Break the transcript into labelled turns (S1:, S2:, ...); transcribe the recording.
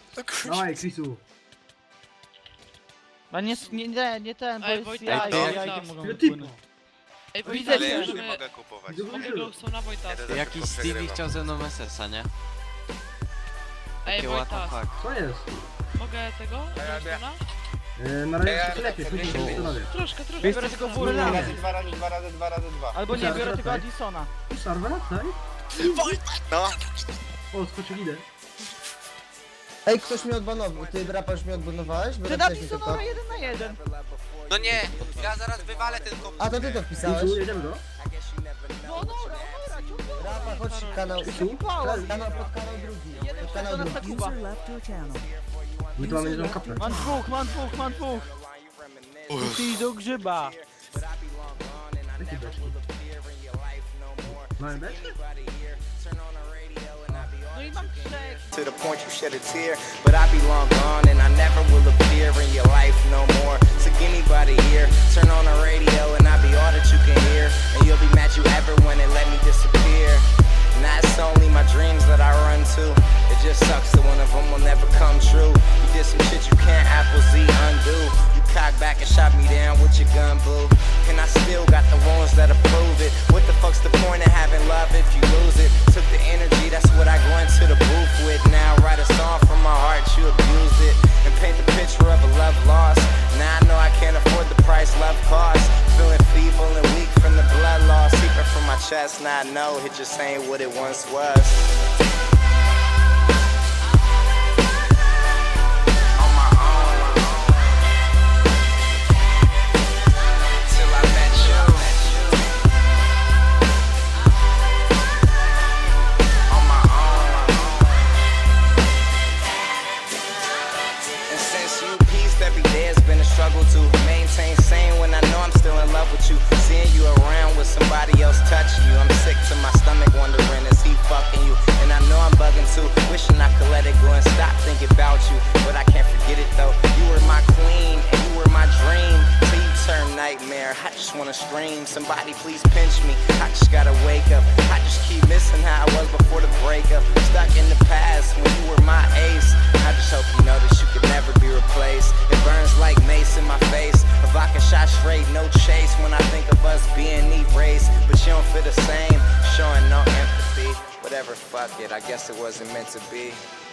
S1: No kurwa.
S2: Dawaj, Chrisu.
S3: A nie ten, bo
S4: Ej,
S3: jest
S4: Wojtek,
S3: jaj,
S1: to-
S3: jajkiem mogą
S2: Ile
S3: wypłynąć.
S2: typu?
S4: Ej,
S3: Widzę
S1: Ale
S4: Wojtek,
S1: ja już nie
S4: możemy...
S1: mogę kupować.
S4: Mogę Glowstone'a, Wojtas.
S1: Jeden
S5: Jakiś
S1: tylko
S5: Stevie
S1: przegrywam.
S5: chciał ze mną SS-a, nie?
S4: Ej,
S5: Takie what the
S4: Wojtas,
S5: fuck.
S2: Co jest?
S4: mogę tego? Glowstone'a?
S2: Na razie się lepiej, później się
S1: ja-
S2: zastanowię.
S4: Troszkę.
S3: Biorę tylko
S2: Nie,
S3: furę
S2: nie.
S6: Dwa razy dwa.
S3: Albo nie, biorę tylko Addisona.
S2: Sarwa, daj.
S1: No,
S2: O, skoczył idę.
S6: Ej, ktoś mnie odbanował. Ty rapasz mnie odbanowałeś? Bo
S3: Ty
S6: napisałeś mi
S3: Addisona
S6: tylko.
S3: 1 na 1.
S1: no nie, ja zaraz wywalę ten komputer.
S6: A to ty to wpisałeś?
S2: Chrisu, jedziemy go.
S3: No dobra, ciągle.
S6: Rapa, chodź kanał.
S2: Chrisu,
S6: Kanał pod kanał drugi.
S3: Jeden
S6: Pod kanał
S3: przed na
S6: drugi.
S3: Kuba.
S2: my tu mamy jedną kaplę.
S3: Mam dwóch. Ty do grzyba.
S2: Jakie beczki? Mamy beczki?
S3: No i mam trzech.
S7: To the point you shed a tear, but I be long gone and I never will appear in your life no more. So give me by the ear, turn on the radio and I be all that you can hear. And you'll be mad you ever went and let me disappear. And that's only my dreams that I run to. It just sucks that one of them will never come true. You did some shit you can't Apple Z undo. You cocked back and shot me down with your gun, boo. And I still got the ones that approve it. What the fuck's the point of having love if you lose it? Took the energy, that's what I go into the booth with. Now write a song from my heart, you abused it. And paint the picture of a love lost. Now I know I can't afford the price love costs. Feeling feeble and weak from the blood loss. Seeping from my chest, now I know it just ain't what it once was. On my own. Till I met you. On my own. And since you pieced every day, it's been a struggle to maintain sane when I know I'm still in love with you. Seeing you around with somebody else touching you, I'm sick to my stomach wondering is he fucking you? And I know I'm bugging too, wishing I could let it go and stop thinking about you, but I can't forget it though. You were my queen and you were my dream. Till you turn nightmare, I just wanna scream. Somebody please pinch me, I just gotta wake up. I just keep missing how I was before the breakup. Stuck in the past when you were my ace. I just hope you know that you could never be replaced. It burns like mace in my face. A vodka shot straight, no chase. When I think of us being erased, but you don't feel the same. Showing no empathy. Whatever, fuck it. I guess it wasn't meant to be.